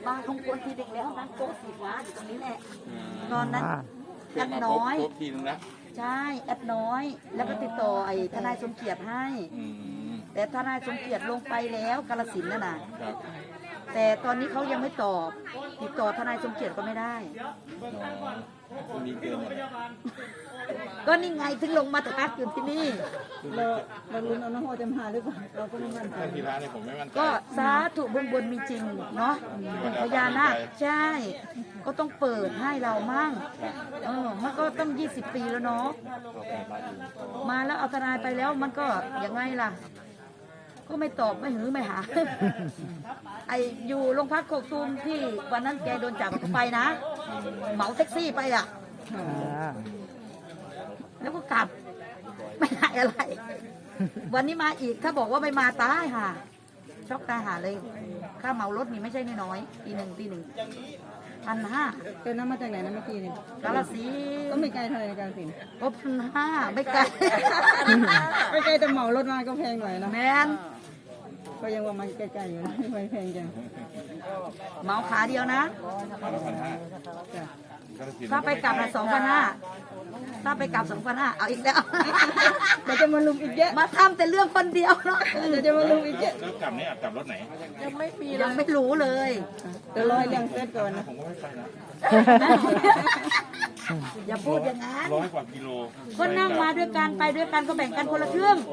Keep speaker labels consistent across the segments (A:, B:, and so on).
A: บ้านของคนที่เด็กแล้วนั่งโต๊ะสีฟ้าอยู่ตรงนี้แหละตอนนั้นแอดน้อยใช่แอดน้อยแล้วก็ติดต่อไอ้ทนายสมเกียรติให้แต่ทนายสมเกียรติลงไปแล้วกาฬสินธุ์น่ะแต่ตอนนี้เขายังไม่ตอบติดต่อทนายสมเกียรติก็ไม่ได้ก็นี่ไงถึงลงมาพักอยู่ที่นี่
B: เราลุ้นเอาน้องโฮจะมาหรือเปล่าเราก็ไม่มั่นใจ
C: ทีละเนี่ยผมไม่มั่นใจ
A: ก็สาธุบนมีจริงเนาะพญานาคใช่ก็ต้องเปิดให้เรามั่งมันก็ต้อง20 ปีแล้วเนาะมาแล้วเอาทนายไปแล้วมันก็ยังไงล่ะก็ไม่ตอบไม่หือไม่หาไออยู่โรงพักโคกตูมที่วันนั้นแกโดนจับก็ไปนะเหมาแท็กซี่ไปอ่ะแล้วก็กลับไม่ได้อะไร วันนี้มาอีกถ้าบอกว่าไม่มาตายค่ะช็อกตายหาเลยค่าเหมารถนี่ไม่ใช่น้อยๆตีหนึ่ง1,500
B: เป็นน้ำมาจากไหนนะเมื่อกี้นี่
A: กาฬสินธุ์
B: ก็ไม่ไกลเท่าไหร่กาฬสินธุ์
A: ก็1,500ไม่ไกล
B: ไม่ไกลแต่เหมารถมาก็แพงหน่อยนะ
A: แมน
B: ก็ยังว่ามันใกล้ๆอยู่นะไม่แพงจัง
A: เหมาขาเดียวนะถ้าไปกลับละ2,500ถ้าไปกลับ2,500เอาอีกแล้ว
B: เดี๋ยวจะมาลุมอีกเยอะ
A: มาทำแต่เรื่องคนเดียวเนาะ
B: เดี๋ยวจะมาลุมอีกเยอะ
C: แล้วกลับนี่กลับรถไหน
A: ยังไม่รู้เลย
B: เดี๋ยวรอให้เรื่องเสร็จก่อนนะ
C: ผมก็ไม่ไปนะ
A: อย่าพูดอย่างนั้น
C: 100 กว่ากิโล
A: ก็นั่งมาด้วยกันไปด้วยกันก็แบ่งกันคนละครึ่ง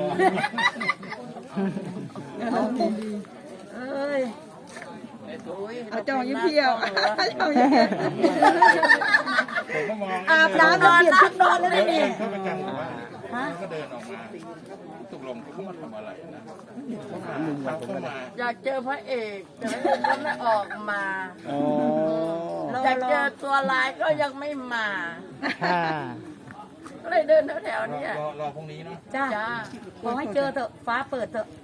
A: เอ้ย
B: เอาจองยิ้มเที่ยวจองยิ้มเที่ยว
A: อาบน้ำนอนเปลี่ยนชุดนอนแล้วนี่
C: เขาไปกันว่าก็เดินออกมาตกลงเขามาทำอะไรนะ
D: อยากเจอพระเอกแต่ยังไม่ออกมาอยากเจอตัวร้ายก็ยังไม่มาก็เลยเดินแถวๆนี้
C: รอพรุ่งนี้เนาะ
A: จ้าขอให้เจอเถอะฟ้าเปิดเถอะ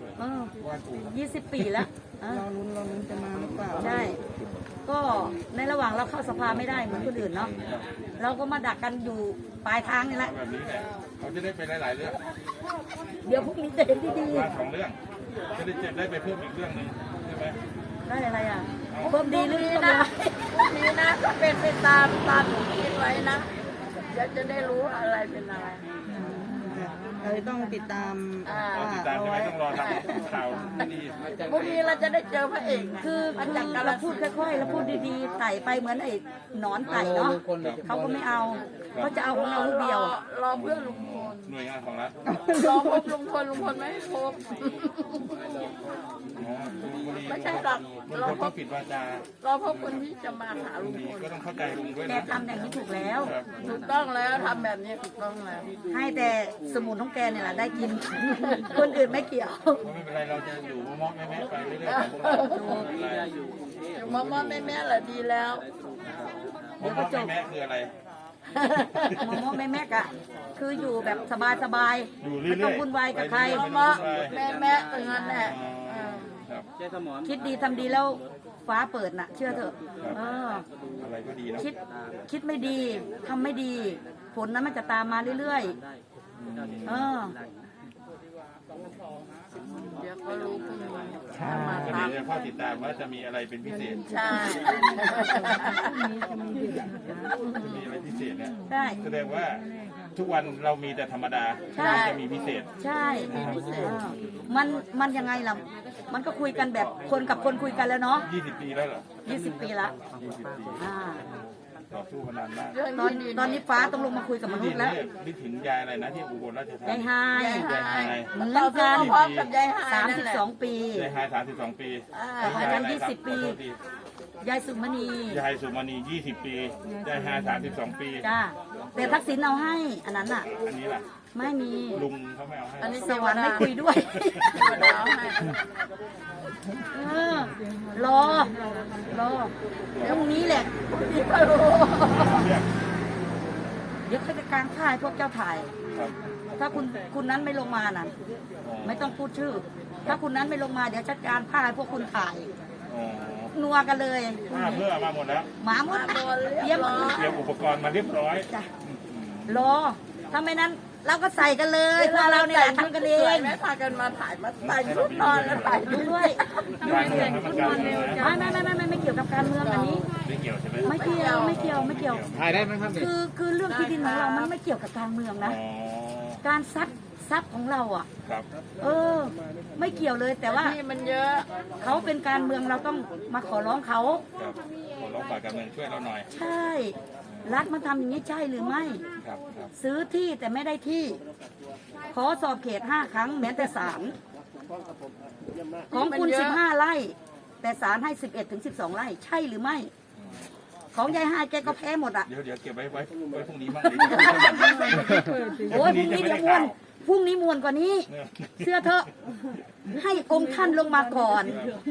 A: 20 ปีแล้ว
B: เราลุ้นจะมาหรือเปล่า
A: ใช่ก็ในระหว่างเราเข้าสภาไม่ได้เหมือนคนอื่นเนาะเราก็มาดักกันอยู่ปลายทางนี่แหละ
C: แบบนี้แหละเขาจะได้ไปหลายๆเรื่อง
A: เดี๋ยวพรุ่งนี้จะเห็นดี
C: ๆ2 เรื่องจะได้ได้ไปเพิ่มอีกเรื่องนึงใช่ไหม
A: ได้อะไรอ่ะเพิ่มดีหรือเป
D: ล่านี้นะก็เป็นไปตามหนูคิดไว้นะเดี๋ยวจะได้รู้อะไรเป็นอะไร
B: เราต้องติดตาม
C: ใช่ไหมต้องรอทำข่าวดี
D: พรุ่งนี้เราจะได้เจอพระเอก
A: คือเราพูดค่อยๆเราพูดดีๆไต่ไปเหมือนไอ้หนอนไต่เนาะเขาก็ไม่เอาเขาจะเอาของเราลูกเดียว
D: รอเพื่อนลุงพล
C: หน่วยงานของรัฐ
D: รอพบลุงพลไม่ให้พบไม่ใช่หรอก
C: เราต้องปิดวาจา
D: เราพบคนที่จะมาหาลุงพล
C: ก็ต้องเข้าใจลุงด้วย
A: แกทำอย่างนี้ถูกแล้ว
D: ถูกต้องแล้วทำแบบนี้ถูกต้องแล้ว
A: ให้แต่สมุนของแกเนี่ยแหละได้กินคนอื่นไม่เกี่ยว
C: ไม่เป็นไรเราจะอยู่มอมแม่ไปเรื่อยๆ
D: อยู่มอมแม่แหละดีแล้ว
C: เดี๋ยวก็จบแม่คืออะไร
A: มอแม่กะคืออยู่แบบสบายๆไม่ต้องวุ่นวายกับใคร
D: แม่เป็นงั้นแหละ
A: คิดดีทำดีแล้วฟ้าเปิดน่ะเชื่อเถอะ
C: อะไรก็ดีนะ
A: คิดไม่ดีทำไม่ดีผลนั้นมันจะตามมาเรื่อยๆ
D: เดี๋ยวก็รู้คุณมา
C: เดี๋ยวพ่อติดตามว่าจะมีอะไรเป็นพิเศษ
D: ใช่
C: มีอะไรพิเศษเนี่ย
A: ใช่
C: แสดงว่าทุกวันเรามีแต่ธรรมดาจะมีพิเศษ
A: ใช่มันยังไงล่ะมันก็คุยกันแบบคนกับคนคุยกันแล้วเนาะ
C: 20 ปีแล้วเหรอ
A: 20 ปีละ
C: ต่อสู้มานานมาก
A: ตอนนี้ฟ้าต้องลงมาคุยกับมนุษย์แล้ว
C: นึกถึงยายอะไรนะที่อุบลราชธานี
A: ยายไฮ
D: เหมือนกัน
A: 32 ปี
C: ยายไฮ32 ปี
A: อาจารย์20 ปียายสุมณี
C: 20 ปียายไฮ32 ปี
A: จ้าแต่ทักษิณเอาให้อันนั้นอ่ะ
C: อันนี้ล่ะ
A: ไม่มี
C: ลุงเขาไม่เอาให้
A: อันนี้สวรรค์ไม่คุยด้วยรอพรุ่งนี้แหละเดี๋ยวเขาจะกางถ่ายพวกเจ้าถ่ายถ้าคุณนั้นไม่ลงมาน่ะไม่ต้องพูดชื่อถ้าคุณนั้นไม่ลงมาเดี๋ยวจัดการผ้าให้พวกคุณถ่ายนัวกันเลย
C: เพื่อมาหมดแล้ว
A: มาหมดเตรียม
C: อุปกรณ์มาเรียบร้อย
A: รอถ้าไม่นั้นเราก็ใส่กันเลยพวกเราเนี่ยแหละทำกันเอง
D: ไม่พากันมาถ่ายมาใส่ชุดนอนแล้วถ่ายรูป
A: ด้วย
C: การเมืองให้มันการเมือง
A: ไม่เกี่ยวกับการเมืองอันนี้
C: ไม่เกี่ยวใช่ไหม
A: ไม่เกี่ยว
C: ถ่ายได้ไหมครับเนี่ย
A: คือเรื่องที่ดินของเรามันไม่เกี่ยวกับการเมืองนะ
C: อ๋อ
A: การซัดทรัพย์ของเราอ่ะ
C: ครับ
A: ไม่เกี่ยวเลยแต่ว่า
D: ที่มันเยอะ
A: เขาเป็นการเมืองเราต้องมาขอร้องเขา
C: ครับขอร้องฝ่ายการเมืองช่วยเราหน่อย
A: ใช่ รัฐมาทำอย่างนี้ใช่หรือไม่
C: ครับครับ
A: ซื้อที่แต่ไม่ได้ที่ ขอสอบเขต5 ครั้งแม้แต่ศาลของคุณ15 ไร่ แต่ศาลให้11 ถึง 12 ไร่ ใช่หรือไม่ ของยายฮายแกก็แพ้หมดอ่ะ
C: เดี๋ยวเก็บไว้พรุ่งนี้บ้างดิ
A: โอ้ยพรุ่งนี้เดี๋ยวมวนพรุ่งนี้มวนกว่านี้ เชื่อเถอะ ให้องค์ท่านลงมาก่อน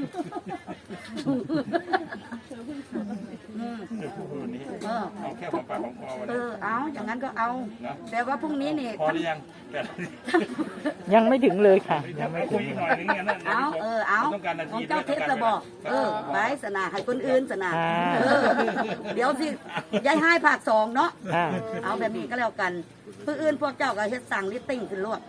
C: เอาแค่ของปากของคอวันนี้
A: เอาอย่างนั้นก็เอา แต่ว่าพรุ่งนี้นี่
C: พอหรือยัง
B: ยังไม่ถึงเลยค่ะ
C: ยังไม่คุยอีกหน่อยนึงเนี่ยนะ
A: เอา
C: ต้องการนา
A: ขอ
C: ที
A: งเจ้าเทศระบอกไปสนาให้คนอื่นสนาเดี๋ยวสิยายให้ภาค2เนาะ เอาแบบนี้ก็แล้วกันเพื่ออื่นพวกเจ้าก็เฮ็ดสั่งลิตติ้งขึ้นรวด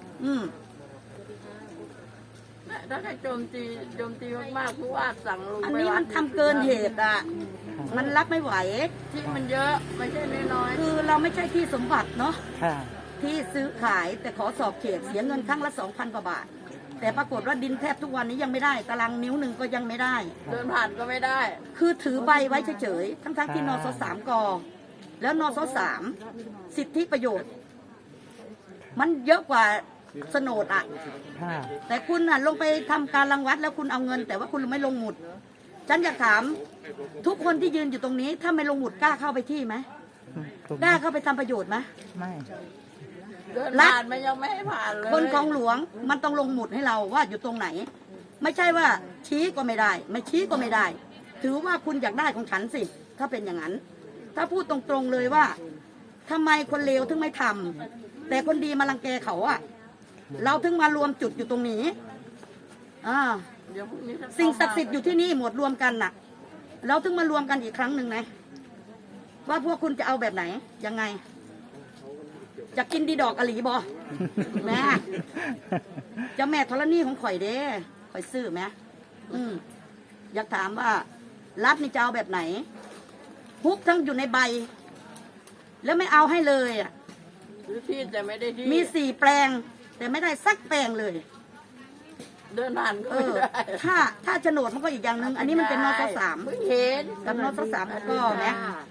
D: ถ้าใครโจมตีมากๆผู้ว่าสั่งลง
A: อัน
D: ไป
A: นี้มันทำเกินเหตุอ่ะ มันรับไม่ไหว
D: ที่มันเยอะไม่ใช่น้อย
A: คือเราไม่ใช่ที่สมบัติเนาะ
B: ค่ะ
A: ที่ซื้อขายแต่ขอสอบเขตเสียเงินครั้งละ 2,000 กว่าบาท แต่ปรากฏว่าดินแทบทุกวันนี้ยังไม่ได้ตารางนิ้วหนึ่งก็ยังไม่ได้
D: ๆเดินผ่านก็ไม่ได้
A: คือถือใบไว้เฉยๆ ทั้งๆที่นส3 กแล้วนส3 สิทธิประโยชน์ มันเยอะกว่าโฉนดอ่ะ
B: ค่ะ
A: แต่คุณน่ะลงไปทำการรังวัดแล้วคุณเอาเงิน แต่ว่าคุณไม่ลงหมุด ฉันอยากถามทุกคนที่ยืนอยู่ตรงนี้ ถ้าไม่ลงหมุดกล้าเข้าไปที่ไหมกล้าเข้าไปทำประโยชน์ไหม
B: ไม่
D: เดินผ่านมันยังไม่ให้ผ่านเลย
A: คนของหลวงมันต้องลงหมุดให้เราว่าอยู่ตรงไหน ไม่ใช่ว่าชี้ก็ไม่ได้ ไม่ชี้ก็ไม่ได้ ถือว่าคุณอยากได้ของฉันสิ ถ้าเป็นอย่างนั้น ถ้าพูดตรงๆเลยว่าทำไมคนเลวถึงไม่ทำแต่คนดีมารังแกเขาอะเราถึงมารวมจุดอยู่ตรงนี้
D: เดี๋ยวพรุ่งนี้จะ
A: สิ่งศักดิ์สิทธิ์อยู่ที่นี่หมดรวมกันน่ะ เราถึงมารวมกันอีกครั้งหนึ่งนะว่าพวกคุณจะเอาแบบไหนยังไงจะกินดีดอกอะหลีบอแม่เจะแม่ธรณีของข่อยเด้ข่อยซื้อไหมอยากถามว่ารัฐนี่จะเอาแบบไหนฮุกทั้งอยู่ในใบ แล้วไม่เอาให้เลยอ่ะ
D: ซื้อที่แต่ไม่ได้ที่
A: มี4 แปลง แต่ไม่ได้สักแปลงเลย
D: เดินผ่านก็ไม่ได้
A: ถ้าโฉนดมันก็อีกอย่างหนึ่งอันนี้มันเป็นนส3
D: เพิ่งเห็น
A: กับนส3แล้วก็แม่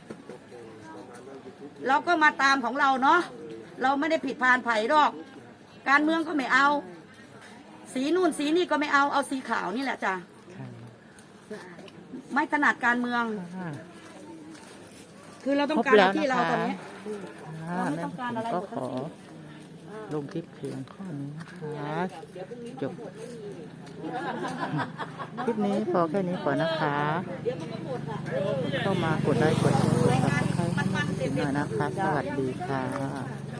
A: เราก็มาตามของเราเนาะเราไม่ได้ผิดพานไผ่หรอก การเมืองก็ไม่เอา สีนู่นสีนี่ก็ไม่เอาเอาสีขาวนี่แหละจ้ะไม่ถนัดการเมือง คือเราต้องการเอาที่เราตอนนี้ เราไม่ต้องการอะไร
B: ก็
A: หมด
B: ข
A: ทั้
B: อง
A: ที่
B: ลงคลิปเพียงข้อนี้นะคะจบคลิปนี้พอแค่นี้ก่อนนะคะ เข้ามากดไลค์กดแชร์กดซับสไครต์ให้หน่อยนะคะ สวัสดีค่ะ